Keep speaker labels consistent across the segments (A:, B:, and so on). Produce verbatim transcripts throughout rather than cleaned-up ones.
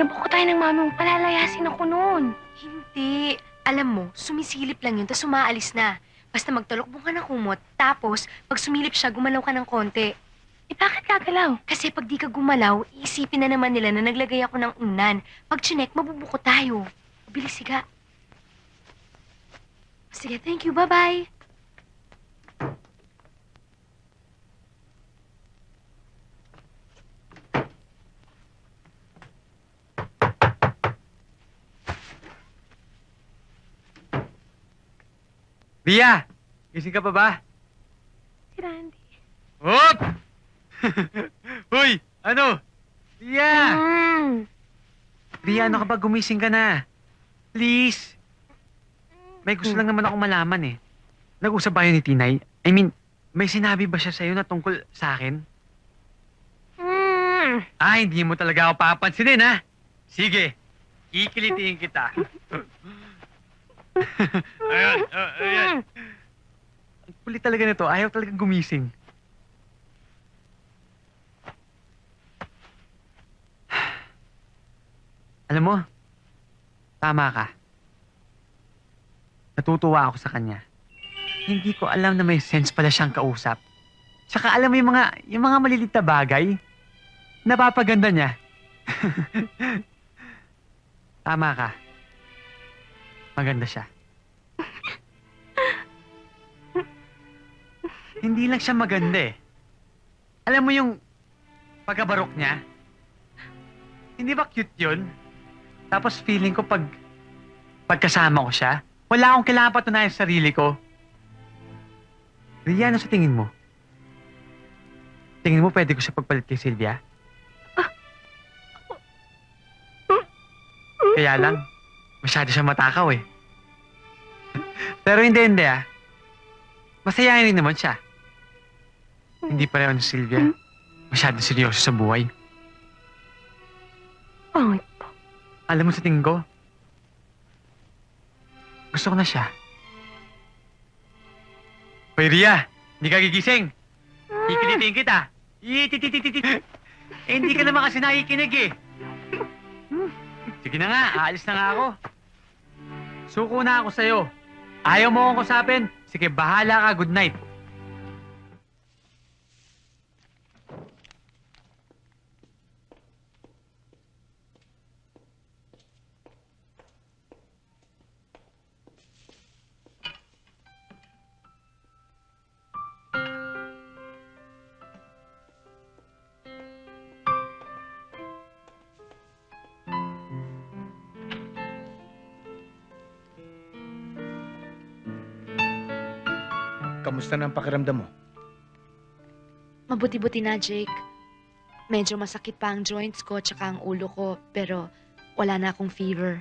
A: Nabuko tayo ng mami mo, palalayasin ako noon.
B: Hindi. Alam mo, sumisilip lang yun, tapos umaalis na. Basta magtalokbong ka ng kumot, tapos pag sumilip siya, gumalaw ka ng konti.
A: Eh bakit gagalaw?
B: Kasi pag di ka gumalaw, iisipin na naman nila na naglagay ako ng unan. Pag chinek, mabubuko tayo. Bilis, siga. Sige, thank you. Bye-bye.
C: Ria! Gising ka pa ba?
A: Si Randy.
C: Hop! Hoy! Ano? Ria!
A: Mm.
C: Ria, ano ka ba? Gumising ka na. Please. May gusto lang naman akong malaman eh. Nag-usap ba yun ni Tinay? I mean, may sinabi ba siya sa'yo na tungkol sa akin?
A: Mm.
C: Ah, hindi mo talaga ako papansinin, ha? Sige, kikilitiin kita. Ayan, uh, ayan. Ang kulit talaga nito. Ayaw talaga gumising. Alam mo, tama ka. Natutuwa ako sa kanya. Hindi ko alam na may sense pala siyang kausap. Tsaka alam mo yung mga, yung mga malilit na bagay, napapaganda niya. Tama ka. Maganda siya. Hindi lang siya maganda eh. Alam mo yung pagkabarok niya? Hindi ba cute yun? Tapos feeling ko pag pagkasama ko siya, wala akong kailangan patunayan sa sarili ko. Ria, ano sa tingin mo? Tingin mo pwede ko siya pagpalit kay Sylvia? Kaya lang, masyado siya matakaw eh. Pero hindi, hindi ah. Masayahin rin naman siya. Hindi pareho ni Sylvia. Masyado seryoso sa buhay.
A: Pangit po.
C: Alam mo sa tingin ko, gusto ko na siya. Hoy, Ria! Hindi ka gigising! Kikilitin kita! Itititititi! Eh, hindi ka naman kasi nakikinig eh. Sige na nga, aalis na nga ako. Suko na ako sa'yo. Ayaw mo akong kusapin? Sige, bahala ka. Good night.
D: Kamusta na ang pakiramdam mo?
B: Mabuti-buti na, Jake. Medyo masakit pa ang joints ko tsaka ang ulo ko, pero wala na akong fever.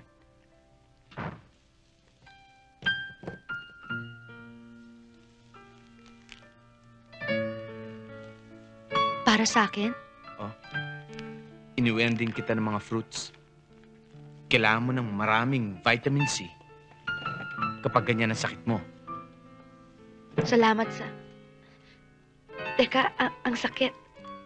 B: Para sa akin?
D: Iniuwian din kita ng mga fruits. Kailangan mo ng maraming vitamin C kapag ganyan ang sakit mo.
B: Salamat sa... Teka, a- ang sakit.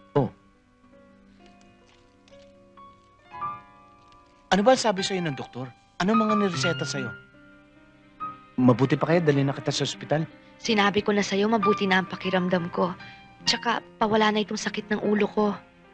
D: Ano ba sabi sa'yo ng doktor? Ano mga nireseta sa'yo? Mabuti pa kaya dali na kita sa ospital?
B: Sinabi ko na sa'yo, mabuti na ang pakiramdam ko. Tsaka, pawala na itong sakit ng ulo ko.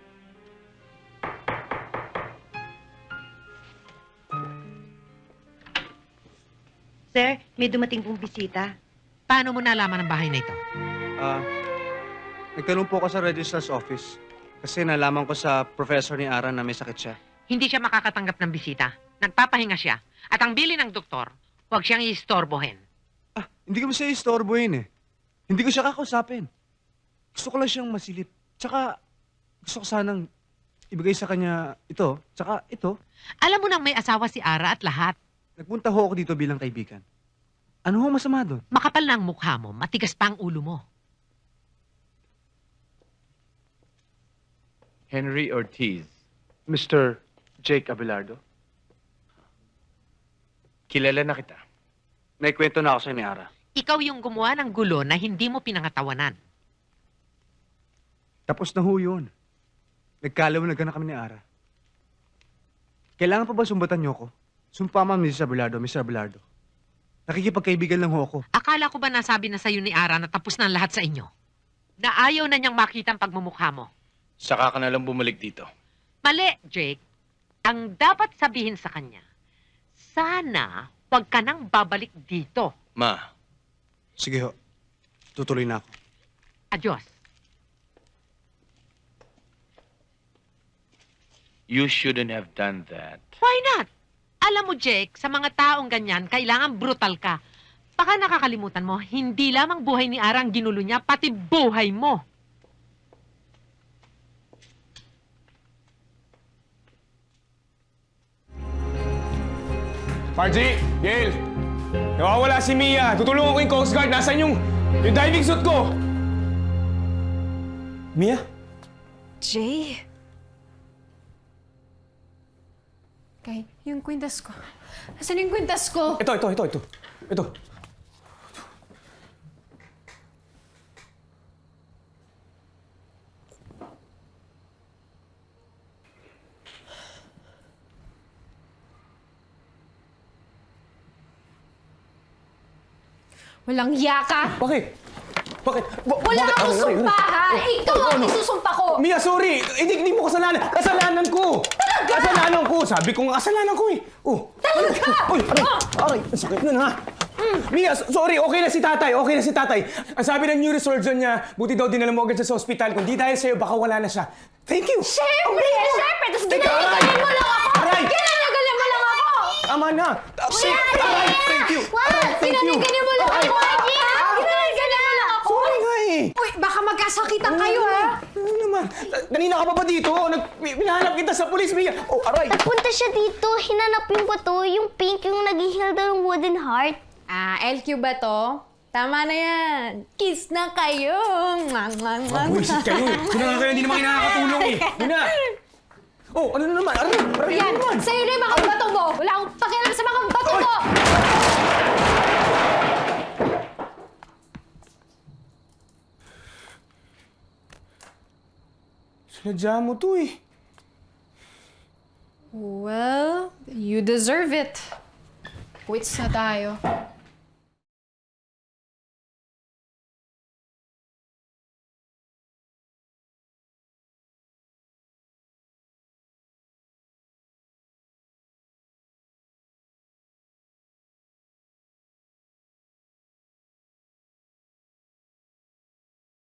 E: Sir, may dumating pong bisita.
F: Paano mo nalaman ang bahay na ito?
G: Ah, nagtanong po ako sa registrar's office kasi nalaman ko sa professor ni Ara na may sakit siya.
F: Hindi siya makakatanggap ng bisita. Nagpapahinga siya. At ang bili ng doktor, huwag siyang iistorbohin.
G: Ah, hindi ko siya istorbohin eh. Hindi ko siya kakausapin. Gusto ko lang siyang masilip. Tsaka, gusto ko sanang ibigay sa kanya ito, tsaka ito.
F: Alam mo nang may asawa si Ara at lahat.
G: Nagpunta ho ako dito bilang kaibigan. Ano ho masama doon?
F: Makapal na ang mukha mo, matigas pa ang ulo mo.
D: Henry Ortiz.
G: Mister Jake Abelardo?
D: Kilala na kita.
G: Naikwento na ako sa ni Ara.
F: Ikaw yung gumawa ng gulo na hindi mo pinangatawanan.
G: Tapos na ho yun. Nagkalaw na kami ni Ara. Kailangan pa ba sumbatan niyo ako? Sumpa ma'am, Missus Abelardo, Mister Abelardo. Nakikipagkaibigan lang ho ako.
F: Akala ko ba nasabi na sa'yo ni Ara na tapos na ang lahat sa inyo? Na ayaw na niyang makita ang pagmumukha mo.
D: Saka ka na lang bumalik dito.
F: Mali, Jake. Ang dapat sabihin sa kanya, sana huwag ka nang babalik dito.
D: Ma,
G: Sige ho. Tutuloy na ako.
F: Adios.
D: you shouldn't have done that.
F: Why not? Alam mo, Jake, sa mga taong ganyan, kailangan brutal ka. Baka nakakalimutan mo, hindi lamang buhay ni Ara ang ginulo niya, pati buhay mo.
H: Margie! Gail! Nawawala si Mia. Tutulungan ko yung Coast Guard. Nasaan yung, yung diving suit ko? Mia?
I: Jay? Kay, yung kwintas ko. Nasaan yung kwintas ko?
H: Ito, ito, ito, ito. Ito.
I: Walang yaka!
H: Bakit? Bakit? Ba-
I: Wala
H: bakit?
I: akong
H: Ano, ano,
I: sumpa, ha?
H: ano?
I: Ikaw
H: Ano,
I: ang
H: ano?
I: isusumpa ko!
H: Mia, sorry! Hindi, hindi mo kasalanan! Kasalanan ko! Talaga? Kasalanan ko! Sabi ko nga kasalanan ko eh! Oh!
I: Talaga?
H: Uy, aray! Aray! Ang sakit nun ha! Mia, so- sorry! Okay na si tatay! Okay na si tatay! Ang sabi ng neurosurgeon niya, buti daw dinala mo agad siya sa ospital. Kung di dahil sa'yo, baka wala na siya. Thank you!
I: Siyempre! Siyempre! Tapos
H: Teka,
I: ginagalan mo lang ako!
H: Aray!
I: Ginagalan mo lang ako!
H: Tama na! Aray! Thank you! Aray! Thank you!
I: Ginagalan mo lang
H: Aray!
I: ako! Ginagalan mo lang ako!
H: Sorry nga eh!
I: Uy, baka magkasakitan kayo, ha?
H: Ano naman? Kanina ka pa ba dito? Nag pinahanap kita sa pulis, Mia! Oh, aray!
J: Nagpunta siya dito, hinanap yung bato, yung pink, yung nag-heal daw ng wooden heart.
I: Ah, L Q ba to? Tama na yan. Kiss na kayo. Mwah, mwah, mwah.
H: Buwisit kayo eh! Kung na kayo, hindi naman kayo nakakatulong eh! Yun na! Oh, ano na naman? Aray! Aray!
I: Yan,
H: Ano naman?
I: sa'yo na yung mga bato mo. Wala akong pakialam sa mga bato
H: Ay!
I: mo.
H: Sinadya mo to eh.
I: Well, you deserve it. Quits na tayo.